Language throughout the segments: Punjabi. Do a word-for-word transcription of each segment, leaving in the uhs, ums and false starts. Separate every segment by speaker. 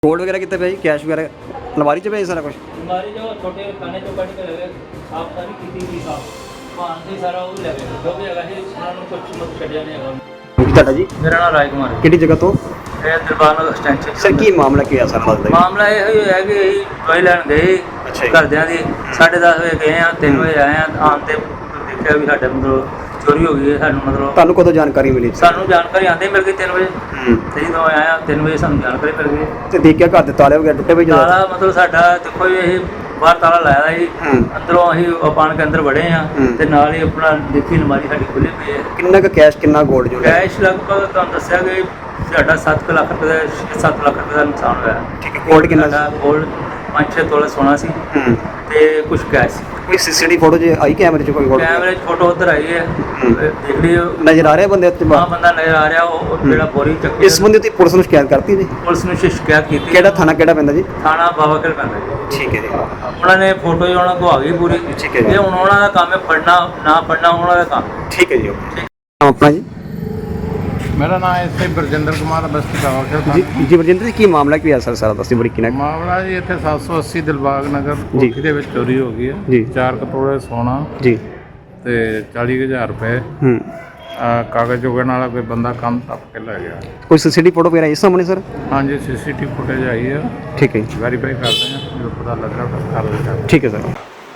Speaker 1: गोल्ड वगैरह कितने पे है? कैश वगैरह अलमारी च पे है सारा कुछ?
Speaker 2: हमारी जो छोटे खाने जो कट के लगे आप सारी की थी साहब पान से सारा वो लगे जो भी लगा है उन्होंने कुछ मत छड़िया नहीं है।
Speaker 1: ਕੀ ਤੁਹਾਡਾ ਜੀ?
Speaker 2: मेरा नाम राज कुमार है।
Speaker 1: ਕਿਹੜੀ ਜਗ੍ਹਾ ਤੋਂ?
Speaker 2: ਇਹ ਦਰਬਾਰ ਐਕਸਟੈਂਸ਼ਨ
Speaker 1: ਸਰ ਕੀ ਮਾਮਲਾ ਕੀ ਹੈ ਸਾਰਾ ਦੱਸਦਾ ਜੀ?
Speaker 2: ਮਾਮਲਾ ਇਹ ਹੀ ਹੈ ਕਿ ਅਸੀਂ ਦਵਾਈ ਲੈਣ ਗਏ
Speaker 1: ਅੱਛਾ ਜੀ।
Speaker 2: ਘਰਦਿਆਂ ਦੀ ਸਾਢੇ ਦਸ ਵਜੇ ਗਏ ਆ ਤਿੰਨ ਵਜੇ ਆਏ ਆ ਆਉਣ ਤੇ ਦੇਖਿਆ ਵੀ ਸਾਡੇ ਮਤਲਬ ਚੋਰੀ ਹੋ ਗਈ ਹੈ। ਸਾਨੂੰ ਮਤਲਬ
Speaker 1: ਤੁਹਾਨੂੰ ਕਦੋਂ ਜਾਣਕਾਰੀ ਮਿਲੀ?
Speaker 2: ਸਾਨੂੰ ਜਾਣਕਾਰੀ ਆਉਂਦੇ ਮਿਲ ਗਈ ਤਿੰਨ ਵਜੇ
Speaker 1: ਹੂੰ
Speaker 2: ਤੇ ਜਦੋਂ ਆਇਆ ਤਿੰਨ ਵਜੇ ਸਾਨੂੰ ਜਾਣਕਾਰੀ ਮਿਲ ਗਈ।
Speaker 1: ਤੇ ਦੇਖਿਆ ਘਰ ਦੇ ਤਾਲੇ ਵਗੈਰਾ ਟੁੱਟੇ ਪਏ ਜਦੋਂ?
Speaker 2: ਤਾਲਾ ਮਤਲਬ ਸਾਡਾ ਦੇਖੋ ਜੀ ਇਹ ਬਾਹਰ ਤਾਲਾ ਲਾਇਆ ਦਾ ਜੀ
Speaker 1: ਹੂੰ
Speaker 2: ਅੰਦਰੋਂ ਅਸੀਂ ਪਾਣ ਕੇ ਅੰਦਰ ਵੜੇ ਆ
Speaker 1: ਹੂੰ।
Speaker 2: ਤੇ ਨਾਲ ਹੀ ਆਪਣਾ ਦੇਖੀ ਅਲਮਾਰੀ ਸਾਡੀ ਖੁੱਲੀ ਪਈ ਹੈ।
Speaker 1: ਕਿੰਨਾ ਕੁ ਕੈਸ਼ ਕਿੰਨਾ ਗੋਲਡ ਜੋ ਹੈ?
Speaker 2: ਕੈਸ਼ ਲਗਭਗ ਤੁਹਾਨੂੰ ਦੱਸਿਆ ਕਿ ਸਾਡਾ ਸੱਤ ਕੁ ਲੱਖ ਰੁਪਏ ਦਾ ਛੇ ਸੱਤ ਲੱਖ ਰੁਪਏ ਦਾ ਨੁਕਸਾਨ ਹੋਇਆ।
Speaker 1: ਠੀਕ ਹੈ। ਗੋਲਡ ਕਿੰਨਾ ਸੀ?
Speaker 2: ਗੋਲਡ ਪੰਜ ਛੇ ਤੋਲੇ ਸੋਨਾ ਸੀ
Speaker 1: ਹੂੰ
Speaker 2: ਤੇ ਕੁਝ ਕੈਸ਼ ਸੀ।
Speaker 1: ਕੋਈ ਸੀਸੀਟੀਵੀ ਫੋਟੋ ਜੇ ਆਈ ਕੈਮਰੇ 'ਚ ਕੋਈ ਗੋਲਡ?
Speaker 2: ਕੈਮਰੇ 'ਚ ਫੋਟੋ ਉੱਧਰ ਆਈ ਹੈ
Speaker 1: ਹੂੰ।
Speaker 2: ਦੇਖ ਲਿਓ
Speaker 1: ਨਜ਼ਰ ਆ ਰਿਹਾ ਬੰਦੇ ਉੱਤੇ?
Speaker 2: ਆਹ ਬੰਦਾ ਨਜ਼ਰ ਆ ਰਿਹਾ ਉਹ ਉਹ ਜਿਹੜਾ ਬੋਰੀ ਚੱਕੀ
Speaker 1: ਇਸ ਬੰਦੇ ਉੱਤੇ ਪੁਲਿਸ ਨੂੰ ਸ਼ਿਕਾਇਤ ਕਰਤੀ ਜੀ?
Speaker 2: ਪੁਲਿਸ ਨੂੰ ਸ਼ਿਕਾਇਤ ਕੀਤੀ।
Speaker 1: ਕਿਹੜਾ ਥਾਣਾ ਕਿਹੜਾ ਪੈਂਦਾ ਜੀ?
Speaker 2: ਥਾਣਾ ਬਾਬਾਕਰ ਪੈਂਦਾ ਜੀ।
Speaker 1: ਠੀਕ ਹੈ ਜੀ।
Speaker 2: ਉਹਨਾਂ ਨੇ ਫੋਟੋ ਹੀ ਉਹਨਾਂ ਕੋਲ ਆ ਗਈ ਪੂਰੀ।
Speaker 1: ਠੀਕ ਹੈ ਜੀ।
Speaker 2: ਇਹ ਹੁਣ ਉਹਨਾਂ ਦਾ ਕੰਮ ਹੈ ਫੜਨਾ ਨਾ ਫੜਨਾ ਉਹਨਾਂ ਦਾ ਕੰਮ ਹੈ।
Speaker 1: ਠੀਕ ਹੈ ਜੀ ਓਕੇ। ਆਪਣਾ ਜੀ?
Speaker 3: मेरा नाम एस आई बरजिंदर कुमार बस्ती बाबाखिल
Speaker 1: ਜੀ ਜੀ ਵਰਜਿੰਦਰ ਜੀ ਕੀ ਮਾਮਲਾ ਕੀ ਹੈ ਸਰ ਸਾਰਾ ਦੱਸੀ ਬੜੀ ਕਿਨਾ?
Speaker 3: ਮਾਮਲਾ ਜੀ ਇੱਥੇ ਸੱਤ ਸੌ ਅੱਸੀ ਦਿਲਬਾਗ ਨਗਰ
Speaker 1: ਜੀ।
Speaker 3: ਕੋਠੀ ਦੇ ਵਿੱਚ ਚੋਰੀ ਹੋ ਗਈ
Speaker 1: ਜੀ।
Speaker 3: ਹੈ। ਚਾਰ ਕਟੋਰੇ ਸੋਨਾ
Speaker 1: ਜੀ
Speaker 3: ਤੇ ਚਾਲੀ ਕੁ ਹਜ਼ਾਰ ਰੁਪਏ
Speaker 1: ਹੂੰ
Speaker 3: ਅਹ ਕਾਗਜ਼ ਚੁਗਣ ਵਾਲਾ ਕੋਈ ਬੰਦਾ ਕੰਮ ਟੱਪ ਕੇ ਲੈ ਗਿਆ।
Speaker 1: ਕੋਈ ਸੀਸੀਟੀਵੀ ਫੋਟੋ ਵਗੈਰਾ ਇਸ ਸਾਹਮਣੇ ਸਰ?
Speaker 3: ਹਾਂਜੀ ਸੀਸੀਟੀਵੀ ਫੁਟੇਜ ਆਈ ਹੈ,
Speaker 1: ਠੀਕ ਹੈ ਜੀ।
Speaker 3: ਵੈਰੀਫਾਈ ਕਰਦੇ ਹਾਂ ਜਦੋਂ ਪਤਾ ਲੱਗਾ ਤਾਂ ਕਰ ਲਿਆ।
Speaker 1: ਠੀਕ ਹੈ ਸਰ।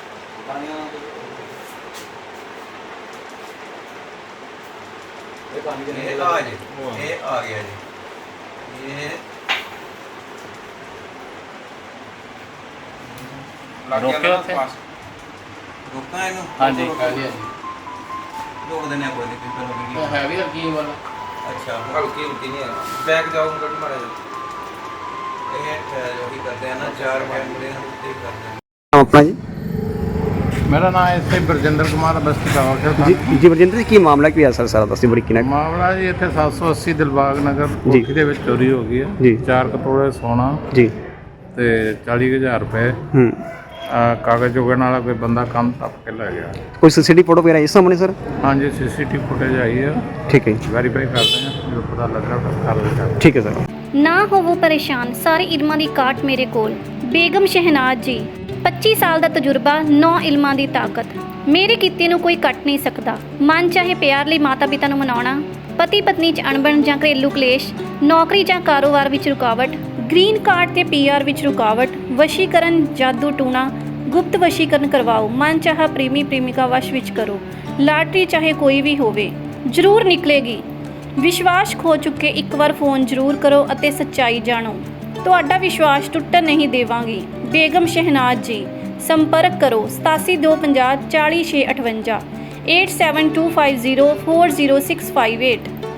Speaker 4: ਇਹ ਆ ਜੀ ਇਹ ਆ ਗਿਆ ਜੀ ਇਹ
Speaker 2: ਰੋਕਿਓ ਉੱਥੇ।
Speaker 4: ਰੋਕਾਂ ਇਹਨੂੰ
Speaker 2: ਹਾਂਜੀ।
Speaker 4: ਰੋਕ ਦਿੰਦੇ ਆ ਕੋਈ ਨਹੀਂ ਫਿਰ ਹੋਵੇਗੀ।
Speaker 3: ਹੈਵੀ ਹਲਕੀ ਵਾਲਾ
Speaker 4: ਅੱਛਾ ਹਲਕੀ ਹਲਕੀ ਨਹੀਂ ਹੈ ਬੈਕ ਜਾਊਂਗਾ ਥੋੜੀ ਮਾੜਾ ਜਿਹਾ ਇਹ ਜੋ ਵੀ ਕਰਦੇ ਆ ਨਾ ਚਾਰ ਕੈਮਰੇ ਨਾਲ ਤੇ ਕਰਦੇ ਆ।
Speaker 1: ਆਪਣਾ ਜੀ?
Speaker 3: ਮੇਰਾ ਨਾਮ ਐਸ ਆਈ ਬਰਜਿੰਦਰ ਕੁਮਾਰ ਬਸਤੀ ਬਾਬਾਖਿਲ।
Speaker 1: ਜੀ ਜੀ ਵਰਜਿੰਦਰ ਜੀ ਕੀ ਮਾਮਲਾ ਕੀ ਹੈ ਸਰ ਸਾਰਾ ਦੱਸੀ ਬੜੀ ਕਿਨਾ?
Speaker 3: ਮਾਮਲਾ ਜੀ ਇੱਥੇ ਸੱਤ ਸੌ ਅੱਸੀ ਦਿਲਬਾਗ ਨਗਰ
Speaker 1: ਜੀ।
Speaker 3: ਕੋਠੀ ਦੇ ਵਿੱਚ ਚੋਰੀ ਹੋ ਗਈ
Speaker 1: ਜੀ।
Speaker 3: ਹੈ। ਚਾਰ ਕਟੋਰੇ ਸੋਨਾ
Speaker 1: ਜੀ
Speaker 3: ਤੇ ਚਾਲੀ ਕੁ ਹਜ਼ਾਰ ਰੁਪਏ
Speaker 1: ਹੂੰ
Speaker 3: ਅਹ ਕਾਗਜ਼ ਚੁਗਣ ਵਾਲਾ ਕੋਈ ਬੰਦਾ ਕੰਮ ਟੱਪ ਕੇ ਲੈ ਗਿਆ।
Speaker 1: ਕੋਈ ਸੀਸੀਟੀਵੀ ਫੋਟੋ ਵਗੈਰਾ ਇਸ ਸਾਹਮਣੇ ਸਰ?
Speaker 3: ਹਾਂਜੀ ਸੀਸੀਟੀਵੀ ਫੁਟੇਜ ਆਈ ਹੈ,
Speaker 1: ਠੀਕ ਹੈ ਜੀ।
Speaker 3: ਵੈਰੀਫਾਈ ਕਰਦੇ ਹਾਂ ਜਦੋਂ ਪਤਾ ਲੱਗਾ ਤਾਂ ਕਰ ਲਿਆ।
Speaker 1: ਠੀਕ ਹੈ ਸਰ।
Speaker 5: ਨਾ ਹੋਵੋ ਪਰੇਸ਼ਾਨ, ਸਾਰੇ ਇਲਮਾਂ ਦੀ ਕਾਟ ਮੇਰੇ ਕੋਲ। ਬੇਗਮ ਸ਼ਹਿਨਾਜ਼ ਜੀ, ਪੱਚੀ ਸਾਲ ਦਾ ਤਜਰਬਾ, ਨੌ ਇਲਮਾਂ ਦੀ ਤਾਕਤ। ਮੇਰੇ ਕੀਤੇ ਨੂੰ ਕੋਈ ਕੱਟ ਨਹੀਂ ਸਕਦਾ। ਮਨ ਚਾਹੇ ਪਿਆਰ ਲਈ ਮਾਤਾ ਪਿਤਾ ਨੂੰ ਮਨਾਉਣਾ, ਪਤੀ ਪਤਨੀ 'ਚ ਅਣਬਣ ਜਾਂ ਘਰੇਲੂ ਕਲੇਸ਼, ਨੌਕਰੀ ਜਾਂ ਕਾਰੋਬਾਰ ਵਿੱਚ ਰੁਕਾਵਟ, ਗ੍ਰੀਨ ਕਾਰਡ ਤੇ ਪੀ ਆਰ ਵਿੱਚ ਰੁਕਾਵਟ, ਵਸ਼ੀਕਰਨ, ਜਾਦੂ ਟੂਣਾ, ਗੁਪਤ ਵਸ਼ੀਕਰਨ ਕਰਵਾਓ, ਮਨ ਚਾਹਾ ਪ੍ਰੇਮੀ ਪ੍ਰੇਮਿਕਾ ਵਸ਼ ਵਿੱਚ ਕਰੋ। ਲਾਟਰੀ ਚਾਹੇ ਕੋਈ ਵੀ ਹੋਵੇ ਜ਼ਰੂਰ ਨਿਕਲੇਗੀ। ਵਿਸ਼ਵਾਸ ਖੋ ਚੁੱਕੇ ਇੱਕ ਵਾਰ ਫੋਨ ਜ਼ਰੂਰ ਕਰੋ ਅਤੇ ਸੱਚਾਈ ਜਾਣੋ। ਤੁਹਾਡਾ ਵਿਸ਼ਵਾਸ ਟੁੱਟਣ ਨਹੀਂ ਦੇਵਾਂਗੀ। ਬੇਗਮ ਸ਼ਹਿਨਾਜ਼ ਜੀ, ਸੰਪਰਕ ਕਰੋ ਸਤਾਸੀ ਦੋ ਪੰਜਾਹ ਚਾਲੀ ਛੇ ਅਠਵੰਜਾ, eight seven two five zero four zero six five eight.